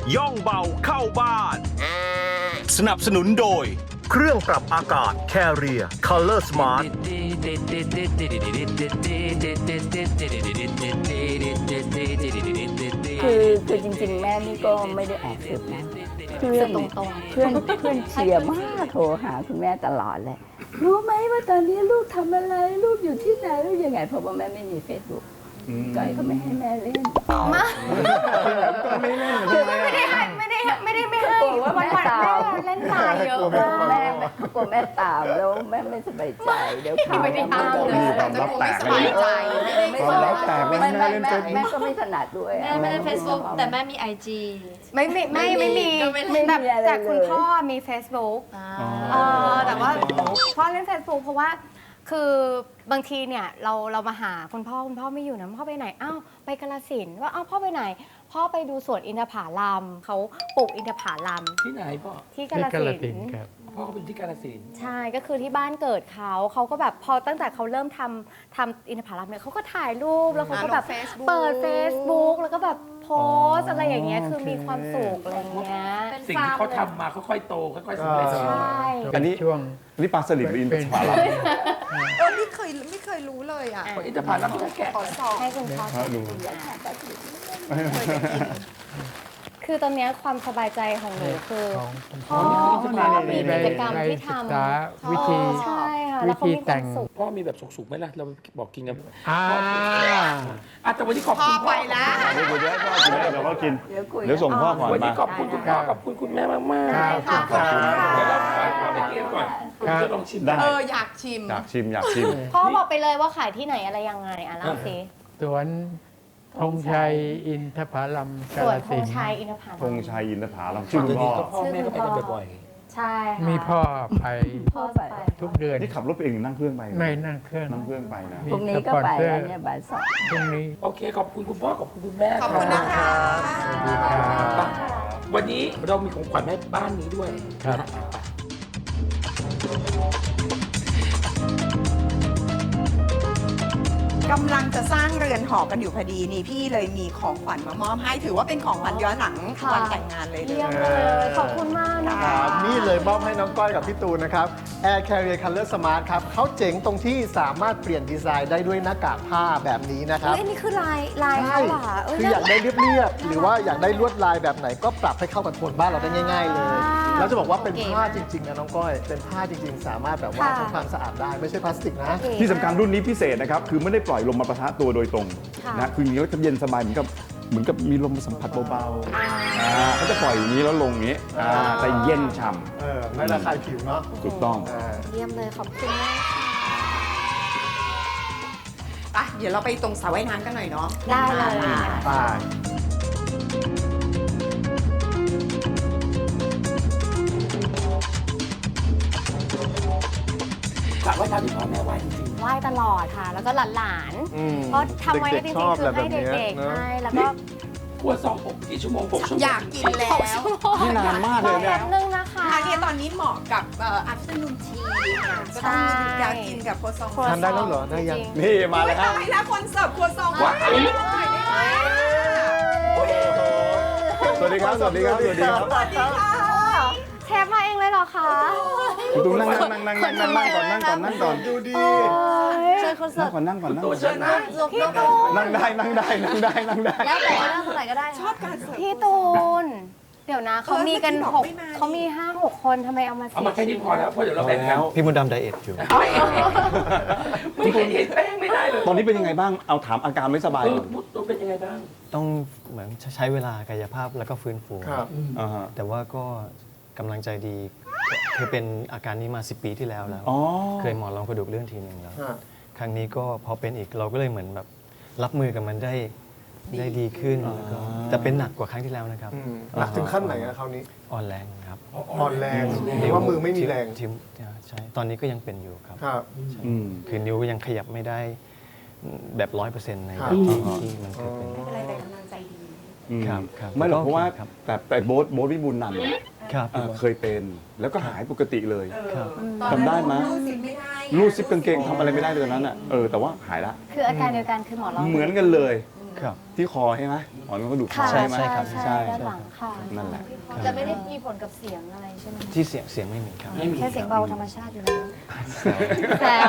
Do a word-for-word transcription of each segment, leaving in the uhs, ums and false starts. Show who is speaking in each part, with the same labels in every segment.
Speaker 1: ย่องเบาเข้าบ้าน สนับสนุนโดย เครื่องปรับอากาศ Carrier Color Smart
Speaker 2: คือคือจริงๆแม่นี่ก็ไม่ได้แอบสืบนะเพื่อนเพื่อนเพื่อนเชียร์มากโทรหาคุณแม่ตลอดเลยรู้ไหมว่าตอนนี้ลูกทำอะไรลูกอยู่ที่ไหนลูกยังไงเพราะว่าแม่ไม่มีเฟซบุ๊กก้อยก็ไม่ให้แม่เล่น
Speaker 3: มาไม่เล่นคือไม่ได้ให้ไม่ได้ไม่ได้ไม่ให้วันวันแม่เล่นตายเยอะมาก
Speaker 2: แม่กลัวแม่ตามแล้วแม่ไม่สบายใจเดี๋ยวข่าว
Speaker 3: ไม่ได้ตามเลย
Speaker 4: ความลับแตก
Speaker 3: สบายใจ
Speaker 4: ความลับแตก
Speaker 2: ไม่
Speaker 4: แม่
Speaker 2: ไม่
Speaker 4: เล่น
Speaker 2: แม่
Speaker 4: เฟซบุ๊
Speaker 2: แม่
Speaker 4: ก
Speaker 2: ก็ไม่ถนัดด้วย
Speaker 5: แม่ไม่เล่นเฟซบุ๊กแต่แม่มีไอจี
Speaker 3: ไม่ไม่ไม่ไม่มี
Speaker 2: ไม่มี
Speaker 3: แต่
Speaker 2: อะไรเลย
Speaker 3: แต่คุณพ่อมี Facebook เออแต่ว่าพ่อเล่น Facebook เพราะว่าคือบางทีเนี่ยเราเรามาหาคุณพ่อคุณพ่อไม่อยู่นะพ่อไปไหนอ้าวไปกาฬสินธุ์ว่าอ้าวพ่อไปไหน พ่อไปดูสวนอินทผลัมเขาปลูกอินทผลัม
Speaker 6: ที่ไหนพ่อ
Speaker 3: ที่กาฬสินธุ์
Speaker 7: ครับ
Speaker 6: พ่อเขาเป็นที่กาฬสินธุ์
Speaker 3: ใช่ก็คือที่บ้านเกิดเขาเขาก็แบบพอตั้งแต่เขาเริ่มทำทำอินทผลัมเนี่ยเขาก็ถ่ายรูปแล้วเขาก็แบบ
Speaker 5: อ่าลง Facebook
Speaker 3: เปิด Facebook แล้วก็แบบโพสต์อะไรอย่างเงี้ยคือมีความสุขอะไรอย่างเงี้ย
Speaker 6: สิ่งที่เขาทำมาค่อยๆโตค่อยๆสำเร็จ
Speaker 3: ใช่
Speaker 4: อันนี้
Speaker 7: ช่วง
Speaker 4: อันนี้ปลาสลิดหรืออินทผลัม
Speaker 5: เออไม่เคยไม่เคยรู้เลยอ่ะ
Speaker 6: อินทผลัมเขาแกะ
Speaker 5: ขอสอบ
Speaker 3: ให้คุณพ่อ
Speaker 4: ฮะดู
Speaker 3: คือตอนเนี้ยความสบายใจของหนูคือ
Speaker 7: ของคุณ
Speaker 3: พ่อ
Speaker 7: พ่อ
Speaker 3: พ่อมีกิจกรรมที่ท
Speaker 7: ศึกษาวิธี
Speaker 3: ำใช่ค่ะแล้วเขามีความสุข
Speaker 6: พ่อมีแบบสุกๆไหมล่ะเราบอกกินกัน
Speaker 7: อ่า
Speaker 6: อ่ะแต่วันนี้ขอบ
Speaker 5: พ่อ
Speaker 6: คุณ
Speaker 5: ไปแล้ว
Speaker 4: เดี๋ยวเดี๋ยวพ่อกินเดี๋ยวพ่อกิน
Speaker 2: เดี๋ยวคุย
Speaker 4: เดี๋ยวส่งพ่อก่อน
Speaker 6: วันนี้
Speaker 4: มา
Speaker 6: ขอบคุณคุณพ่อขอบคุณคุณแม่มากๆ
Speaker 7: ครับ
Speaker 3: ค่ะ
Speaker 4: ขอบคุณ
Speaker 6: เดี๋ยวเราขอไปเกมก่อนคุณจะลองชิม
Speaker 4: ได้
Speaker 5: เอออยากชิม
Speaker 4: อยากชิมอยากชิม
Speaker 3: พ่อบอกไปเลยว่าขายที่ไหนอะไรยังไงอ่ะเล่าสิ
Speaker 7: สวนธงชัยอินทผลัม
Speaker 3: ส
Speaker 7: กา
Speaker 3: วน
Speaker 7: ฬ
Speaker 3: ธ
Speaker 7: สิ
Speaker 3: ง
Speaker 7: นธุ์
Speaker 3: ชัยอินทผลัม
Speaker 4: ธงชัยอินทผลัม
Speaker 6: ชื่
Speaker 4: ชื่
Speaker 6: อ
Speaker 4: อ
Speaker 6: คุ
Speaker 4: คุณ ณ
Speaker 6: พ่
Speaker 4: พ่
Speaker 6: อ
Speaker 4: อ
Speaker 6: พ่อแม่ก็ไปกันบ่อย
Speaker 3: ใช่ค่ะ
Speaker 7: มีพ่อไป
Speaker 3: พ่อไป
Speaker 7: ทุกเดือน
Speaker 4: นี่ขับรถไปเองหรือนั่งเครื่องไป
Speaker 7: ไม่นั่งเครื่อง
Speaker 4: นั่งเครื่องไปนะ
Speaker 7: มี
Speaker 2: พรุ่งนี้ก็ไปแล้วเนี่ยบ่ายสอง
Speaker 7: พรุ่งนี้
Speaker 6: ๆโอเคขอบคุณคุณพ่อขอบคุณคุณแม่
Speaker 5: ขอบคุณนะคะ
Speaker 7: ดีครับ
Speaker 6: วันนี้เรามีของขวัญให้บ้านนี้ด้วย
Speaker 7: ครับ
Speaker 6: นะฮะ
Speaker 5: กำลังจะสร้างเรือนหอกันอยู่พอดีนี่พี่เลยมีของขวัญมามอบให้ถือว่าเป็นของขวัญย้อนหลังวันแต่งงานเลยเล
Speaker 3: เยี่ยม
Speaker 5: ย
Speaker 3: เลยขอบคุณมากนะ
Speaker 8: ค
Speaker 3: คะ
Speaker 8: รับนี่เลยมอบให้น้องก้อยกับพี่ตูนนะครับ Air Carrier Color Smart ครับเขาเจ๋งตรงที่สามารถเปลี่ยนดีไซน์ได้ด้วยหน้ากากผ้าแบบนี้นะครับ
Speaker 3: เอ้ยนี่คือลายลาย
Speaker 8: ใช่
Speaker 3: เขาเหรอเ
Speaker 8: คืออยากได้เรียบๆหรือว่าอยากได้ลวดลายแบบไหนก็ปรับให้เข้ากับโทนบ้านเราได้ง่าย ๆ เลย แล้วจะบอกว่าเป็นผ้าจริงๆนะน้องก้อย เป็นผ้าจริงๆ สามารถแบบว่าทำความสะอาดได้ไม่ใช่พลาสติกนะ
Speaker 4: ที่สำคัญรุ่นนี้พิเศษนะครับ คือไม่ได้ปล่อยลมมาปะทะตัวโดยตรง
Speaker 3: ค่ะ
Speaker 4: นะคืออย่างนี้แล้วจะเย็นสบายเหมือนกับเหมือนกับมีลมมาสัมผัสเบาๆอ่าเขาจะปล่อยอย่างนี้แล้วลงอย่างนี้อ่าแต่เย็นฉ่
Speaker 8: เออไม่ระคายผิวเนาะ
Speaker 4: ำถูกต้อง
Speaker 8: อ่า
Speaker 3: เยี่ยมเลยขอบคุณมากค่ะ
Speaker 5: ไปเดี๋ยวเราไปตรงสระว่ายน้ำกันหน่อยเนาะ
Speaker 3: ได้เลย
Speaker 5: อ่า
Speaker 8: ไป
Speaker 6: สระว่ายน้ำที่พ่อแม่ไหว้จริง
Speaker 3: ไหว้ตลอดค่ะ แล้วก็หลาน
Speaker 8: อืม
Speaker 3: ๆเพราะทำไว้จ
Speaker 8: เด็
Speaker 3: ริ
Speaker 8: กๆช
Speaker 3: ง
Speaker 8: อบ
Speaker 3: ๆคือให้
Speaker 8: แบบนี้
Speaker 3: เด็กๆ
Speaker 8: เนอะ
Speaker 3: ให้แล้วก็
Speaker 6: ๆครัวซองอบกี่ชั่วโมงหกชั่วโมง
Speaker 5: อยากกินแล้ว
Speaker 4: นี่นานมาก
Speaker 3: ร
Speaker 4: เล
Speaker 3: อย
Speaker 4: เนี่
Speaker 3: แป๊
Speaker 4: ย
Speaker 3: บนึงนะคะ
Speaker 5: ทานเนี่ยตอนนี้เหมาะกับเอ่อ afternoon tea ค่ะก็
Speaker 3: ใช่
Speaker 5: ต้องอยากกินกับโคซอง
Speaker 8: ทานได้แล้วเหรอได้ยัง
Speaker 3: จริๆ
Speaker 4: นี่มาเลยครับ
Speaker 5: ตายแล้วคนเสิร์ฟครัวซอง
Speaker 6: ว้าว
Speaker 5: หน่อยได้ไหม
Speaker 4: สวัสดีครับ สวัสดีครับ สวัสดีครับ
Speaker 5: สวัสดีค่ะ
Speaker 3: เชฟมาเองเลยเหรอคะ
Speaker 4: คุณตูนนั่งนั่งนั่งนั่งนั่งนั่งก่อนนั่งก่อนนั่งก่อน
Speaker 8: ดูดี
Speaker 3: เชิญคนเสิ
Speaker 4: นั่
Speaker 3: ร์
Speaker 4: ง
Speaker 3: ฟ
Speaker 4: ก่อนนั่งก่อนนั่ง
Speaker 6: ตั
Speaker 4: ก่
Speaker 6: ว
Speaker 4: อน
Speaker 6: เชิญนะ
Speaker 3: พี่ตูน
Speaker 4: นั่งได้นั่งได้นั่งได้นั่งได้
Speaker 5: แล้วแต่ว่านั่งเท่าไหร่ก็ได้ ชอบการเสิร์ฟ
Speaker 3: พี่ตูน เดี๋ยวนะเขามีกัน
Speaker 5: เออ
Speaker 3: หก
Speaker 5: เมื่อกี้บอกไม่มา
Speaker 3: เขามีห้าหกคนทำไมเอามา
Speaker 6: เอา
Speaker 3: สี่
Speaker 6: มาแค่นี้พอแล้วเพราะเดี๋ยวเราแบ่งกัน
Speaker 9: พี่มดดำไดเอทอยู่
Speaker 6: ไม่เห็นเห็นแป้งไม่ได้เลย
Speaker 4: ตอนนี้เป็นยังไงบ้าง เอาถามอาการไม่สบาย
Speaker 6: เอ
Speaker 4: ก่
Speaker 6: อ
Speaker 4: อน
Speaker 6: มุดตัวเป็นยังไงบ้าง
Speaker 9: ต้องเหมือนใช้เวลากายภาพแล้วก็ฟื้นฟู
Speaker 8: ครับ
Speaker 4: อ่าฮะ
Speaker 9: แต่ว่าก็กำลังใจดีคือเป็นอาการนี้มาสิบปีที่แล้วแล้ว
Speaker 4: อ๋อ
Speaker 9: เคยหมอนรองกระดูกเลื่อนทีหนึ่งแล้ว
Speaker 8: ฮะ
Speaker 9: ครั้งนี้ก็พอเป็นอีกเราก็เลยเหมือนแบบรับมือกับมันได้ได้ดีขึ้นแล้วก็แต่เป็นหนักกว่าครั้งที่แล้วนะครับ
Speaker 8: อืมหนักถึงขั้นไหนอะคราวนี้
Speaker 9: อ่อนแรงครับ
Speaker 8: อ่อนแรงหรือว่ามือไม่มีแรง
Speaker 9: ทิวใช่ตอนนี้ก็ยังเป็นอยู่ครับ
Speaker 8: ครับ
Speaker 4: อืม
Speaker 9: คือนิ้วยังขยับไม่ได้แบบร้อยเปอร์เซ็นต์ใน
Speaker 8: ครับ
Speaker 9: ที่ที่มันเคยเป็น
Speaker 5: ไม่เป็นไรแต่กำลังใจดี
Speaker 4: อืม
Speaker 9: ครับครับ
Speaker 4: ไม่หรอกเพราะว่า
Speaker 9: ครับ
Speaker 4: แต่แต่โบ๊ทโบ๊ทวิบูลย์นันท์
Speaker 9: ครับ
Speaker 4: เอ่อเคยเป็นแล้วก็หายปกติเลย
Speaker 9: ครับ
Speaker 4: จำได้ไหม
Speaker 5: รูดซิปไม่ได้
Speaker 4: รูดซิปกางเกงทำอะไรไม่ได้เลยตอนนั้นอ่ะเออแต่ว่าหายละ
Speaker 3: คืออาการเดียวกันคือหมอร้อง
Speaker 4: เหมือนกันเลย
Speaker 9: ค
Speaker 4: ครับ ที่คอใช่ไหมหมอนรองกระดูกคอ
Speaker 3: ค่ะ
Speaker 4: ใช่ไหม
Speaker 3: ใช่
Speaker 4: ครับ
Speaker 3: ใช่ด้านหลังค่ะ
Speaker 4: นั่นแหละ
Speaker 3: จะไม่ได้มีผลกับเสียงอะไรใช่ไหม
Speaker 9: ที่เสียงเสียงไม่มีครับ
Speaker 6: ไม่มี
Speaker 3: แค่เสียงเบาธรรมชาติอยู่แล้วแซว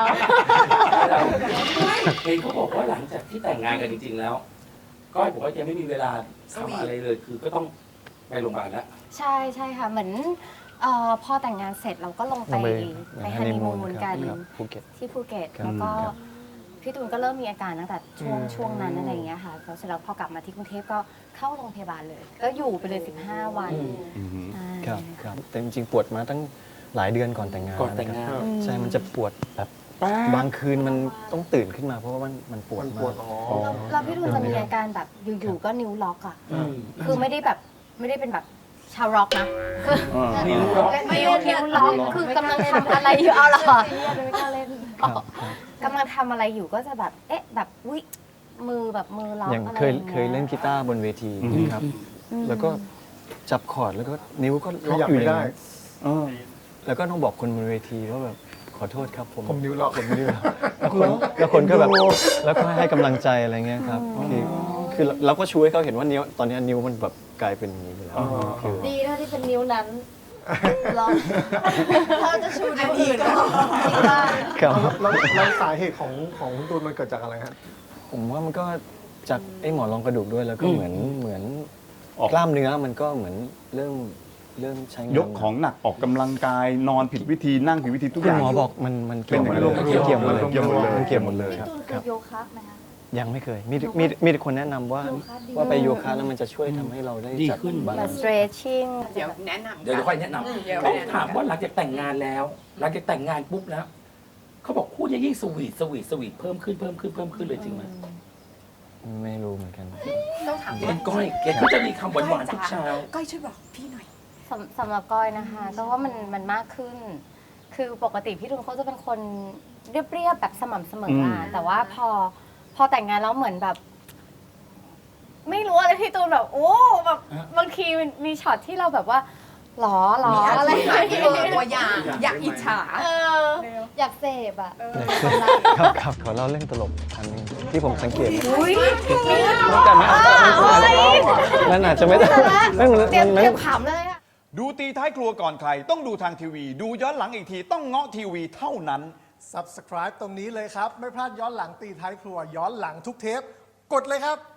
Speaker 6: เห็นเขาบอกว่าหลังจากที่แต่งงานกันจริง ๆ แล้วก้อยบอกว่ายังไม่มีเวลาทำอะไรเลย คือก็ต้องไปโรงพยาบาลแล้ว
Speaker 3: ใช่ใช่ค่ะเหมือนเอ่อพอแต่งงานเสร็จเราก็ลงไป
Speaker 9: ลงไป
Speaker 3: ไปฮันนีมูน
Speaker 9: ครับ
Speaker 3: กัน
Speaker 9: ครับภูเก็ต
Speaker 3: ที่ภูเก็ต
Speaker 9: ครับ
Speaker 3: แล้วก็
Speaker 9: ครับ
Speaker 3: พี่ตูนก็เริ่มมีอาการตั้งแต่ช่วงช่วงนั้นอะไรอย่างเงี้ยค่ะแล้วเสร็จแล้วพอกลับมาที่กรุงเทพก็เข้าโรงพยาบาลเลย ก็อยู่ไปเลยสิบห้าวัน
Speaker 4: อือหือ
Speaker 3: ใช่
Speaker 9: ครับครับแต่จริงๆปวดมาตั้งหลายเดือนก่อนแต่งงาน
Speaker 6: ก่อนแต่งงาน
Speaker 9: ะครับใช่ มันจะปวดแบบบางคืนมันต้องตื่นขึ้นมาเพราะว่ามันมันปวด
Speaker 8: มัน
Speaker 9: มา
Speaker 8: ปวด
Speaker 9: ก
Speaker 8: อ๋อ
Speaker 3: แล้วแล้วพี่ตูนจะมีอาการแบบอยู่ๆก็นิ้วล็อกอ่ะ
Speaker 6: อืม
Speaker 3: คือไม่ได้แบบไม่ได้เป็นแบบชาวร็อกนะคือ
Speaker 4: อ่า
Speaker 6: นิ้วล็อก
Speaker 3: นิ้วนิ้วล็อกคือกำลังทำอะไรอยู่เอาเหรอ
Speaker 9: ครับครับ
Speaker 3: กำลังทำอะไรอยู่ก็จะแบบเอ๊ะแบบวิมือแบบมือล็อก
Speaker 9: อย่าง
Speaker 3: อะไร
Speaker 9: เคย
Speaker 3: อย่างงี้
Speaker 9: เคยเล่นกีตาร์บนเวที
Speaker 4: อืม
Speaker 9: นะครับ แล้วก็จับคอร์ดแล้วก็นิ้วก็
Speaker 8: ข
Speaker 9: ล็อก
Speaker 8: ยับ
Speaker 9: อยู่
Speaker 8: ไม่
Speaker 9: อย่าง
Speaker 8: ได้
Speaker 9: นั้นเออแล้วก็ต้องบอกคนบนเวทีว่าแบบขอโทษครับผม
Speaker 8: ผมนิ้วล็อก
Speaker 9: ผมนิ้วล็อกแล้วคนแล้วคนก็แบบแล้วก็ให้กำลังใจอะไรเงี้ยครับคือคือเราก็ช่วยเขาเห็นว่านิ้วตอนนี้นิ้วมันแบบกลายเป็นอย่างนี้ไปแล้วคือ
Speaker 3: ดีนะที่เป็นนิ้วนั้นล็อกเราจะชูนิ้ว
Speaker 5: อันนี้
Speaker 3: อื่น
Speaker 5: ก็
Speaker 3: จริงป่ะ
Speaker 9: ครับ
Speaker 8: แล้วแล้วสาเหตุของของคุณตูนมันเกิดจากอะไรฮะ
Speaker 9: ผมว่ามันก็จากไอ้หมอนรองกระดูกด้วยแล้วก็
Speaker 6: อืม
Speaker 9: เหมือนเหมือน
Speaker 4: ออก
Speaker 9: กล้ามเนื้อมันก็เหมือนเริ่มเริ่มใช้งาน
Speaker 4: ยกของหนักออกกำลังกายนอนผิดวิธีนั่งผิดวิธีทุกอ
Speaker 9: คุณ
Speaker 4: ย่าง
Speaker 9: หมอบอกมันมัน
Speaker 4: เป็น
Speaker 9: เกี่ยวหมดเลย
Speaker 4: เกี่ยวหมดเลย
Speaker 9: เกี่ยวหมดเลย
Speaker 4: เกี่ยวหมดเลย
Speaker 9: มันเกี่ยวหมดเลย
Speaker 3: พี่
Speaker 9: ครับ
Speaker 3: ตูนเค
Speaker 9: ครั
Speaker 3: ย
Speaker 9: บ
Speaker 3: โยคะไหมคะ
Speaker 9: ยังไม่เคยมีมีมีแต่คนแนะนำว่า
Speaker 3: โยคะดี
Speaker 9: ว่าไปโยคะแล้วมันจะช่วยทำให้เราได้
Speaker 6: ดี
Speaker 9: จัด
Speaker 6: ขึ้น
Speaker 9: บา
Speaker 3: แบ
Speaker 9: ลา
Speaker 3: บ
Speaker 9: นซ์
Speaker 3: stretching
Speaker 5: เดี๋ยวแนะนำ
Speaker 6: เดี๋ยวค่อยแนะน
Speaker 5: เดี๋ยว
Speaker 6: ำต้อง
Speaker 5: แนะนำ
Speaker 6: ถามว่าหลังจากแต่งงานแล้ว หลังจากแต่งงานปุ๊บแล้ว เขาบอกคู่จะยิ่งสวีทสวีทสวีทเพิ่มขึ้นเพิ่มขึ้นเพิ่มขึ้นเลยจริงไหม
Speaker 9: ไม่รู้เหมือนกัน
Speaker 5: ต้องถาม
Speaker 6: เป็นก้อยแกก็จะมีคำหวานๆทุกเช้า
Speaker 5: ก้อยช่วยบอกพี่หน่อย
Speaker 3: สำสำหรับก้อยนะคะก็ว่ามันมันมากขึ้น คือปกติพี่ตูนเขาจะเป็นคนเรียบๆแบบสม่ำเสมออะ
Speaker 4: อืม
Speaker 3: แต่ว่าพอพอแต่งงานแล้วเหมือนแบบ ไม่รู้อะไรพี่ตูนแบบโอ้แบบบางทีมันมีช็อตที่เราแบบว่าหรอหรออะไร
Speaker 5: มีอะไรที่เป็นตัวอย่าง อยากอิจฉา
Speaker 3: เอออยากเสพอ่ะ
Speaker 9: ครับครับขอเล่าเรื่องตลกอันหนึงที่ผมสังเกต
Speaker 3: อุ้ยมี
Speaker 9: แต่ไม่มันอาจจะไม่ได้ไม่มัน
Speaker 3: เตรียม
Speaker 9: มัน
Speaker 3: เตรียมขำเลยอะ
Speaker 1: ดูตีท้ายครัวก่อนใคร ต้องดูทางทีวี ดูย้อนหลังอีกทีต้องเงาะทีวีเท่านั้น
Speaker 8: Subscribe ตรงนี้เลยครับ ไม่พลาดย้อนหลังตีท้ายครัว ย้อนหลังทุกเทป กดเลยครับ